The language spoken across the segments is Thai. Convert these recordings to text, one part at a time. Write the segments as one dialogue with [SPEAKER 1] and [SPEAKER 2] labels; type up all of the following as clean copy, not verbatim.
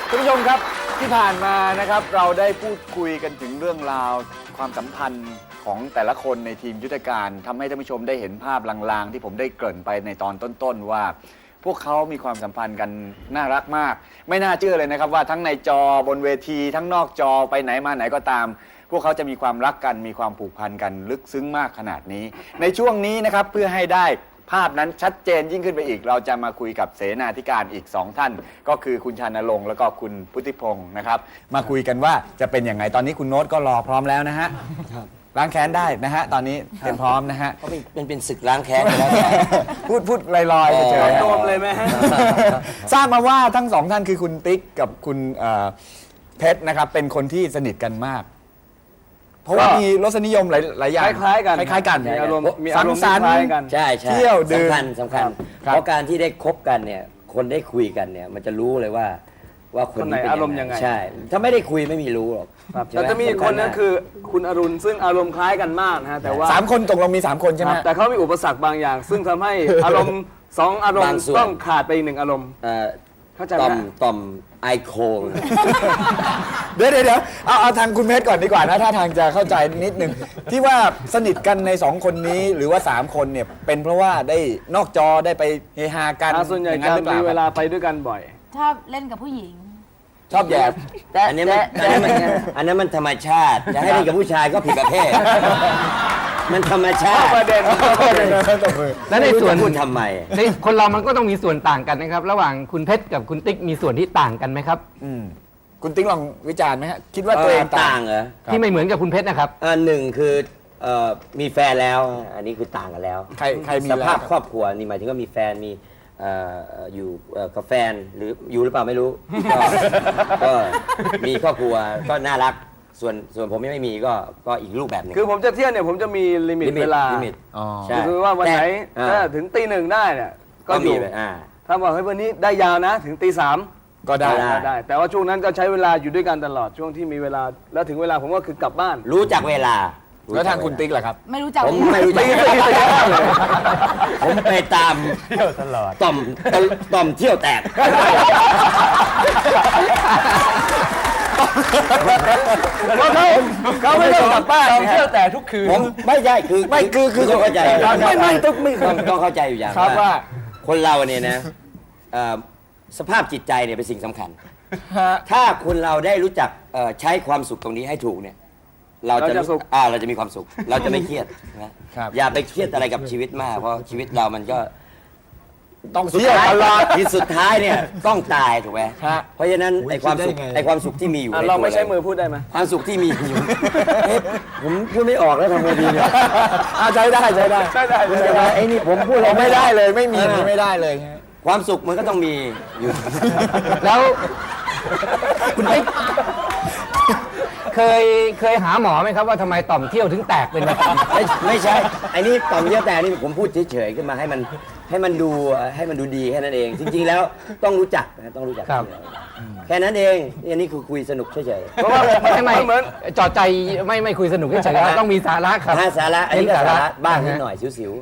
[SPEAKER 1] ท่านผู้ชมครับที่ผ่านมานะครับเราได้พูดคุยกันถึงเรื่องราวความสัมพันธ์ของแต่ละคนในทีมยุทธการทำให้ท่านผู้ชมได้เห็นภาพลางๆที่ผมได้เกริ่นไปในตอนต้นๆว่า พวกเขามีความสัมพันธ์กันน่ารักมากไม่น่าเชื่อเลยนะครับว่าทั้งในจอบนเวทีทั้งนอกจอไปไหนมาไหนก็ตาม พวกเขาจะมีความรักกันมีความผูกพันกันลึกซึ้งมากขนาดนี้ในช่วงนี้นะครับเพื่อให้ได้ภาพนั้นชัดเจนยิ่งขึ้นไปอีกเราจะมาคุยกับเสนาธิการอีก2ท่านก็คือคุณชานรงค์แล้วก็คุณพุทธิพงศ์นะครับมาคุยกันว่าจะเป็นอย่างไรตอนนี้คุณโน้ตก็รอพร้อมแล้วนะฮะล้างแค้นได้นะฮะตอนนี้เตรียมพร้อมนะฮะ
[SPEAKER 2] เพราะมันเป็นศึกล้างแค้นไปแล้ว
[SPEAKER 1] พูดลอยๆเฉยๆ
[SPEAKER 3] โดนเลยไหมฮะ
[SPEAKER 1] ทราบมาว่าทั้ง2ท่านคือคุณติ๊กกับคุณเพชรนะครับเป็นคนที่สนิทกันมากเพราะว่ามีรสนิยมหลายอย่าง
[SPEAKER 3] คล้ายๆกัน
[SPEAKER 1] คล้ายๆกัน
[SPEAKER 3] มีอารมณ์
[SPEAKER 1] สังสรรค์
[SPEAKER 3] คล้ายกัน
[SPEAKER 2] ใช่ใช่
[SPEAKER 1] เที่ยวดื่ม
[SPEAKER 2] สำคัญ
[SPEAKER 1] ครับ
[SPEAKER 2] เพราะการที่ได้คบกันเนี่ยคนได้คุยกันเนี่ยมันจะรู้เลยว่าคนนี้เป็น
[SPEAKER 3] คนไหนอารมณ์ยังไง
[SPEAKER 2] ใช่ถ้าไม่ได้คุยไม่มีรู้หรอก
[SPEAKER 3] ครับ
[SPEAKER 2] ใช่ไห
[SPEAKER 3] แต่จะมีอีกคนนึง
[SPEAKER 2] สำญมาก
[SPEAKER 3] คือคุณอรุณซึ่งอารมณ์คล้ายกันมากนะฮะแต่ว่า
[SPEAKER 1] 3 คนตกลงมี3 คนใช่ไหม
[SPEAKER 3] ครับแต่เขามีอุปสรรคบางอย่าง ซึ่งทำให้อารมณ์2อารม
[SPEAKER 2] บาง
[SPEAKER 3] ณ์
[SPEAKER 2] ส่วน
[SPEAKER 3] ต้องขาดไปอีก1อารมณ์ เข้าใจไหม
[SPEAKER 2] ต่อมไอโคง
[SPEAKER 1] เดี๋ยวเอาทางคุณเพชรก่อนดีกว่านะถ้าทางจะเข้าใจนิดนึงที่ว่าสนิทกันใน2คนนี้หรือว่า3คนเนี่ยเป็นเพราะว่าได้นอกจอได้ไปเฮฮากัน
[SPEAKER 3] ส่วนใหญ่
[SPEAKER 1] อย่าง
[SPEAKER 3] จะ
[SPEAKER 1] นั้นหรือเป
[SPEAKER 3] มี
[SPEAKER 1] ล่า
[SPEAKER 3] เวลาไปด้วยกันบ่อย
[SPEAKER 4] ชอบเล่นกับผู้หญิง
[SPEAKER 1] ชอบแย่
[SPEAKER 2] อันนี้มันธรรมชาติจะให้เล่นกับผู้ชายก็ผิดประเภท มันธรรมชาติ
[SPEAKER 3] ประเด็น
[SPEAKER 5] และในส่วน
[SPEAKER 2] พูดทำไม
[SPEAKER 5] ในคนเรามันก็ต้องมีส่วนต่างกันนะครับ ระหว่างคุณเพชรกับคุณติ๊กมีส่วนที่ต่างกันไหมครับ
[SPEAKER 1] คุณติ๊กลองวิจารณ์ไหมฮะคิดว่าตัวเองต่า
[SPEAKER 2] ต่าง งเหรอ
[SPEAKER 5] ที่ไม่เหมือนกับคุณเพชรนะครับ
[SPEAKER 2] หนึ่งคือมีแฟนแล้ว อันนี้คือต่างกันแล้ว
[SPEAKER 1] ใครมี
[SPEAKER 2] ส
[SPEAKER 1] แล้ว
[SPEAKER 2] ภาพครอบครัวนี่หมายถึงว่ามีแฟนมีอยู่กับแฟนหรืออยู่หรือเปล่าไม่รู้ ก็มีครอบครัวก็น่ารักส่วนผมยังไม่มีก็อีกรูปแบบหนึง
[SPEAKER 3] คือผมจะเที่ยวเนี่ยผมจะมีลิมิตเวลา
[SPEAKER 2] ลิมิต
[SPEAKER 1] อ๋อ
[SPEAKER 2] ใช่
[SPEAKER 3] คือว่าวันไหน
[SPEAKER 2] แต่
[SPEAKER 3] ถ้าถึงตี 1ได้เนี่ยก็อยู่
[SPEAKER 2] มี
[SPEAKER 3] ถ้าบอกให้ยวันนี้ได้ยาวนะถึงตี 3
[SPEAKER 1] ก็ได้
[SPEAKER 3] ได้ แต่ว่าช่วงนั้นก็ใช้เวลาอยู่ด้วยกันตลอดช่วงที่มีเวลาแล้วถึงเวลาผมก็คือกลับบ้าน
[SPEAKER 2] รู้จักเวลา
[SPEAKER 1] แล้วทางคุณติ๊กล่ะครับ
[SPEAKER 4] ไม่รู้จัก
[SPEAKER 2] ผม
[SPEAKER 4] เลย
[SPEAKER 2] ไม่รู้จัก ผมไปตามเที่ยวตลอดต่อมเที่ยวแตก
[SPEAKER 3] เขาไม่ต้องกลับบ้านเที่ยวแต่ทุกคืน
[SPEAKER 2] ผมไม่ใช่คือ
[SPEAKER 1] ไม่คือ
[SPEAKER 2] ต้องเข้าใจ
[SPEAKER 1] ไม่
[SPEAKER 2] ต้องเข้าใจอยู่อย่าง
[SPEAKER 1] ครับว่า
[SPEAKER 2] คนเราเนี่ยนะสภาพจิตใจเนี่ยเป็นสิ่งสำคัญ ถ้าคนเราได้รู้จักใช้ความสุขตรงนี้ให้ถูกเนี่ยเราจะมีความสุข เราจะไม่เครียดนะครับอย่าไปเครียดอะไรกับชีวิตมากเพราะชีวิตเรามันก็
[SPEAKER 1] ต้องเที่ยวตลอด
[SPEAKER 2] ที่สุดท้ายเนี่ยต้องตายถูกไหม
[SPEAKER 1] ฮะ
[SPEAKER 2] เพราะฉะนั้นไอ้ความสุข
[SPEAKER 1] คิดได้ยังไง
[SPEAKER 2] ไอ้ความสุขที่มีอยู่ใน
[SPEAKER 3] เรา
[SPEAKER 2] ตัว
[SPEAKER 3] ไม่ใช้มือพูดได้ไหม
[SPEAKER 2] ความสุขที่มีอยู่เอ๊ะผมพูดไม่ออกแล้วทำไงดีเนี่ย
[SPEAKER 1] ใช้ได้
[SPEAKER 2] ไอ้นี่ผมพูด
[SPEAKER 1] เราไม่ได้เลยไม่มี
[SPEAKER 2] ออ
[SPEAKER 1] ไม่ได้เลย
[SPEAKER 2] ความสุขมันก็ต้องมีอยู่
[SPEAKER 5] แล้วคุณติ๊กเคยหาหมอไหมครับว่าทำไมต่อมเที่ยวถึงแตกเป็นแบบนี้
[SPEAKER 2] ไม่ใช่ไอ้นี่ต่อมเยื่อแต่นี่ผมพูดเฉยๆขึ้นมาให้มันดูดีแค่นั้นเอง จริง ๆ แล้วต้องรู้จักนะต้องรู้จักแค่นั้นเองอันนี้คือคุยสนุกเฉย
[SPEAKER 3] เพราะว่า
[SPEAKER 5] ไม่
[SPEAKER 3] เหมือน
[SPEAKER 5] จอดใจไม่คุยสนุกเฉยๆแล้วต้องมีสาระครับ
[SPEAKER 2] ๆถ้าสาระอันนี้ก็สาระบ้างนิดหน่อยสิว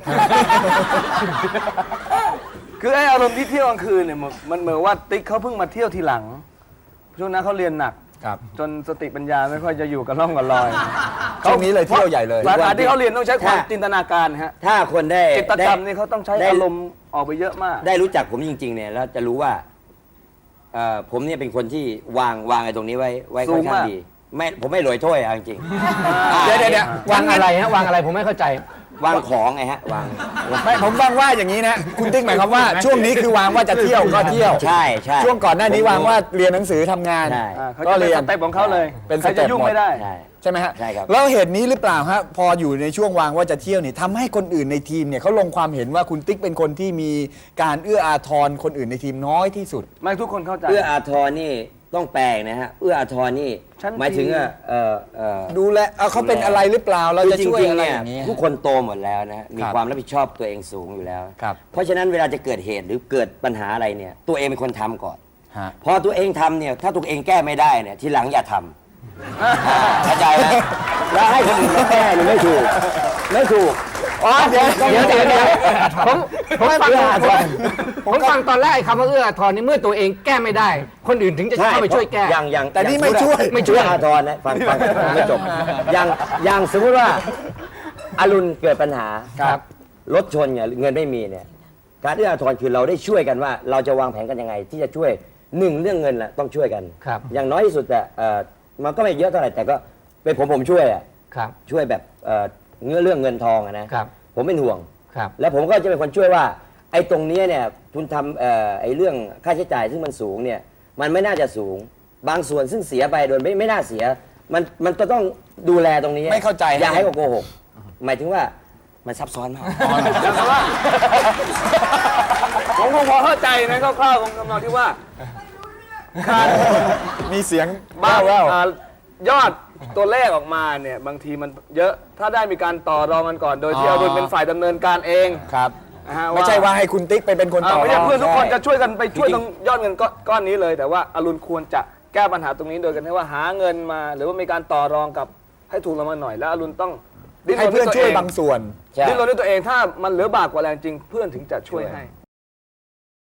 [SPEAKER 3] คือไอ้อารมณ์ที่เที่ยวกลางคืนเนี่ยมันเหมือนว่าติ๊กเขาเพิ่งมาเที่ยวทีหลังช่วงนั้นเขาเรียนหนัก
[SPEAKER 1] ครับ
[SPEAKER 3] จนสติปัญญาไม่ค่อยจะอยู่กับร่องกับรอย
[SPEAKER 1] ช่วงนี้เลยเที่ยวใหญ่เลย
[SPEAKER 3] สาขาที่เขาเรียนต้องใช้ความจินตนาการฮะ
[SPEAKER 2] ๆถ้าคนได้
[SPEAKER 3] จิตรกรรมนี่เขาต้องใช้อารมณ์ออกไปเยอะมาก
[SPEAKER 2] ได้รู้จักผมจริงๆเนี่ยแล้วจะรู้ว่าผมเนี่ยเป็นคนที่วางไอ้ตรงนี้ไว้ค่อนข้างดีผมไม่หลอยถ้วยจริง
[SPEAKER 1] เดี๋ยว
[SPEAKER 5] วางอะไรฮะวางอะไรผมไม่เข้าใจ
[SPEAKER 2] วางของไงฮะวาง
[SPEAKER 1] ไม่ผมฟังว่าอย่างนี้นะคุณติ๊กหมายความว่าช่วงนี้คือวางว่าจะเที่ยวก็เที่ยว
[SPEAKER 2] ใช่ใช่
[SPEAKER 1] ช่วงก่อนหน้านี้วางว่าเรียนหนังสือทำงาน
[SPEAKER 2] ใช่
[SPEAKER 3] เขา
[SPEAKER 1] ก็
[SPEAKER 3] จะเป็น
[SPEAKER 1] เรีย
[SPEAKER 3] ส
[SPEAKER 1] น
[SPEAKER 3] เต็ปของเขาเลย
[SPEAKER 1] เป็น
[SPEAKER 3] ใคร
[SPEAKER 1] สเต็
[SPEAKER 3] จะ
[SPEAKER 1] ป
[SPEAKER 3] ยุ่ง
[SPEAKER 1] หมด
[SPEAKER 3] ไม่ได้
[SPEAKER 2] ใช่
[SPEAKER 1] ใช่ไหมฮะ
[SPEAKER 2] ใช่ครับ
[SPEAKER 1] แล้วเหตุนี้หรือเปล่าฮะพออยู่ในช่วงวางว่าจะเที่ยวนี่ทำให้คนอื่นในทีมเนี่ยเขาลงความเห็นว่าคุณติ๊กเป็นคนที่มีการเอื้ออาทรคนอื่นในทีมน้อยที่สุด
[SPEAKER 3] ไม่ทุกคนเข้าใจ
[SPEAKER 2] เอื้ออาทรนี่ต้องแปลกนะฮะเอื้ออาทรนี่
[SPEAKER 3] ชั้น
[SPEAKER 2] หมายถึง
[SPEAKER 3] ดี
[SPEAKER 1] ดูแลเขาเป็นอะไรหรือเปล่าเราจะช่วยอะไรอย่างนี้
[SPEAKER 2] ทุกคนโตหมดแล้วนะมี
[SPEAKER 1] ครับ
[SPEAKER 2] ความรับผิดชอบตัวเองสูงอยู่แล้ว
[SPEAKER 1] ครับ
[SPEAKER 2] เพราะฉะนั้นเวลาจะเกิดเหตุหรือเกิดปัญหาอะไรเนี่ยตัวเองเป็นคนทำก่อน
[SPEAKER 1] ฮะ
[SPEAKER 2] พอตัวเองทำเนี่ยถ้าตัวเองแก้ไม่ได้เนี่ยทีหลังอย่าทำเข้าใจไหมแล้วให้คนอื่นมาแก้เนี่ยไม่ถูก
[SPEAKER 1] อ๋อเดี๋ยว
[SPEAKER 5] ผมฟังตอนแรกคำว่าเอื้ออาทรนี่เมื่อตัวเองแก้ไม่ได้ คนอื่นถึงจะเข้าไปช่วยแก้
[SPEAKER 2] อย่าง
[SPEAKER 1] แต่นี่ไม่ช่วย
[SPEAKER 5] ไม่ช่วย
[SPEAKER 2] อาทรนะฟังไม่จบอย่างสมมติว่าอรุณเกิดปัญหา
[SPEAKER 5] ครับ
[SPEAKER 2] รถชนเนี่ยเงินไม่มีเนี่ยการเอื้ออาทรคือเราได้ช่วยกันว่า เราจะวางแผนกันยังไง ที่จะช่วยหนึ่งเรื่องเงินแหละต้องช่วยกัน
[SPEAKER 5] ครับ
[SPEAKER 2] อย่างน้อยที่สุดแต่มันก็ไม่เยอะเท่าไหร่แต่ก็เป็นผมช่วยอ่ะ
[SPEAKER 5] ครับ
[SPEAKER 2] ช่วยแบบเรื่องเงินทองอะนะครับ ผมเป็นห่วง
[SPEAKER 5] ครับ
[SPEAKER 2] แล้วผมก็จะเป็นคนช่วยว่าไอ้ตรงเนี้ยเนี่ยคุณทำไอ้เรื่องค่าใช้จ่ายซึ่งมันสูงเนี่ยมันไม่น่าจะสูง บางส่วนซึ่งเสียไปโดยไม่น่าเสียมันก็ต้องดูแลตรงนี้
[SPEAKER 1] ไม่เข้าใจ
[SPEAKER 2] อย่าให้โกหกหมายถึงว่ามันซับซ้อนมาก
[SPEAKER 3] ผมคงพอเข้าใจนะคร่าวๆของคำนองที่ว่าการ
[SPEAKER 1] มีเสียง
[SPEAKER 3] บ้าง
[SPEAKER 1] แว่ว
[SPEAKER 3] ยอดตัวเลขออกมาเนี่ยบางทีมันเยอะถ้าได้มีการต่อรองกันก่อน โดยที่อรุณเป็นฝ่ายดำเนินการเอง
[SPEAKER 1] ครับ
[SPEAKER 3] นะฮะ
[SPEAKER 1] ไม่ใช่ว่าให้คุณติ๊กไปเป็นคนต่อ
[SPEAKER 3] ไม่ใช่เพื่อนทุกคน
[SPEAKER 1] ใช่
[SPEAKER 3] จะช่วยกันไปช่วยตรงยอดเงินก้อนนี้เลย แต่ว่าอรุณควรจะแก้ปัญหาตรงนี้โดยกันที่ว่าหาเงินมา หรือว่ามีการต่อรองกับให้ถูกลงมาหน่อยแล้วอรุณต้องดิ้น
[SPEAKER 1] ให้
[SPEAKER 3] รน
[SPEAKER 1] เพื่อน
[SPEAKER 3] ด้วย
[SPEAKER 1] ช่วย
[SPEAKER 3] ตัวเอง
[SPEAKER 1] บางส่วน
[SPEAKER 2] ใช่
[SPEAKER 3] ดิ้นรนด้วยตัวเองถ้ามันเหลือบากกว่าแรงจริงเพื่อนถึงจะช่วยให้